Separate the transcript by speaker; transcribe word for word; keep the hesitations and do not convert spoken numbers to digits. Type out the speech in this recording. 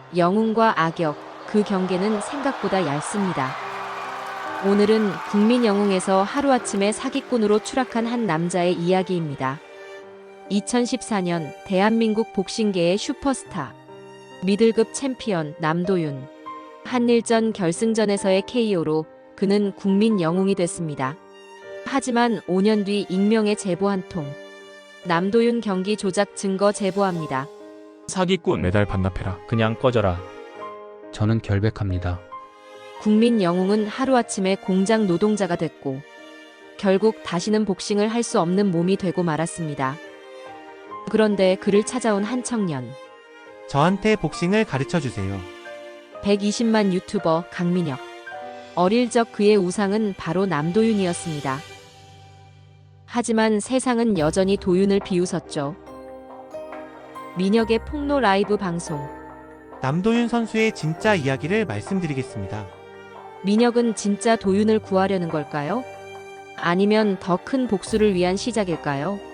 Speaker 1: 영웅과 악역, 그 경계는 생각보다 얇습니다. 오늘은 국민 영웅에서 하루아침에 사기꾼으로 추락한 한 남자의 이야기입니다. 이천십사 년 대한민국 복싱계의 슈퍼스타, 미들급 챔피언 남도윤. 한일전 결승전에서의 케이오로 그는 국민 영웅이 됐습니다. 하지만 오 년 뒤 익명의 제보 한 통. 남도윤 경기 조작 증거 제보합니다.
Speaker 2: 사기꾼.
Speaker 3: 메달 반납해라.
Speaker 4: 그냥 꺼져라.
Speaker 5: 저는 결백합니다.
Speaker 1: 국민 영웅은 하루아침에 공장 노동자가 됐고 결국 다시는 복싱을 할 수 없는 몸이 되고 말았습니다. 그런데 그를 찾아온 한 청년.
Speaker 6: 저한테 복싱을 가르쳐 주세요.
Speaker 1: 백이십만 유튜버 강민혁. 어릴 적 그의 우상은 바로 남도윤이었습니다. 하지만 세상은 여전히 도윤을 비웃었죠. 민혁의 폭로 라이브 방송.
Speaker 6: 남도윤 선수의 진짜 이야기를 말씀드리겠습니다.
Speaker 1: 민혁은 진짜 도윤을 구하려는 걸까요? 아니면 더 큰 복수를 위한 시작일까요?